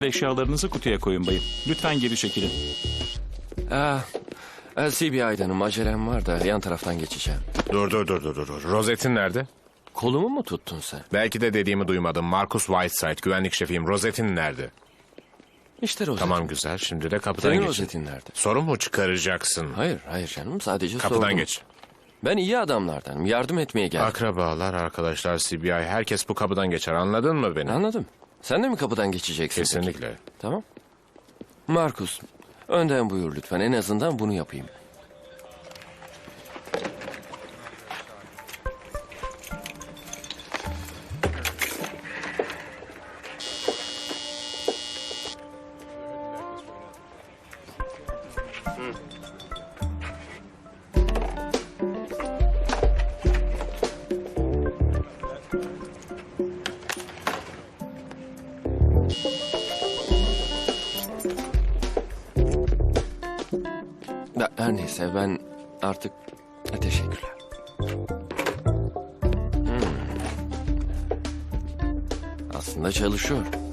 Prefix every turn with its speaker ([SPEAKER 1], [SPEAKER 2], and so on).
[SPEAKER 1] Eşyalarınızı kutuya koyun bayım. Lütfen geri çekilin.
[SPEAKER 2] CBI'danım, acelem var da yan taraftan geçeceğim.
[SPEAKER 3] Dur. Rozettin nerede?
[SPEAKER 2] Kolumu mu tuttun sen?
[SPEAKER 3] Belki de dediğimi duymadın. Marcus Whiteside, güvenlik şefiyim. Rozettin nerede?
[SPEAKER 2] İşte rozetin.
[SPEAKER 3] Tamam güzel. Şimdi de kapıdan
[SPEAKER 2] Senin
[SPEAKER 3] geç.
[SPEAKER 2] rozetin nerede?
[SPEAKER 3] Sorun mu çıkaracaksın?
[SPEAKER 2] Hayır canım, sadece
[SPEAKER 3] Kapıdan
[SPEAKER 2] sordum.
[SPEAKER 3] geç.
[SPEAKER 2] Ben iyi adamlardanım, yardım etmeye geldim.
[SPEAKER 3] Akrabalar, arkadaşlar, CBI, herkes bu kapıdan geçer. Anladın mı beni?
[SPEAKER 2] Anladım. Sen de mi kapıdan geçeceksin? peki?
[SPEAKER 3] Kesinlikle.
[SPEAKER 2] Tamam. Markus, önden buyur lütfen. En azından bunu yapayım. Her neyse, ben artık... Teşekkürler. Aslında çalışıyor.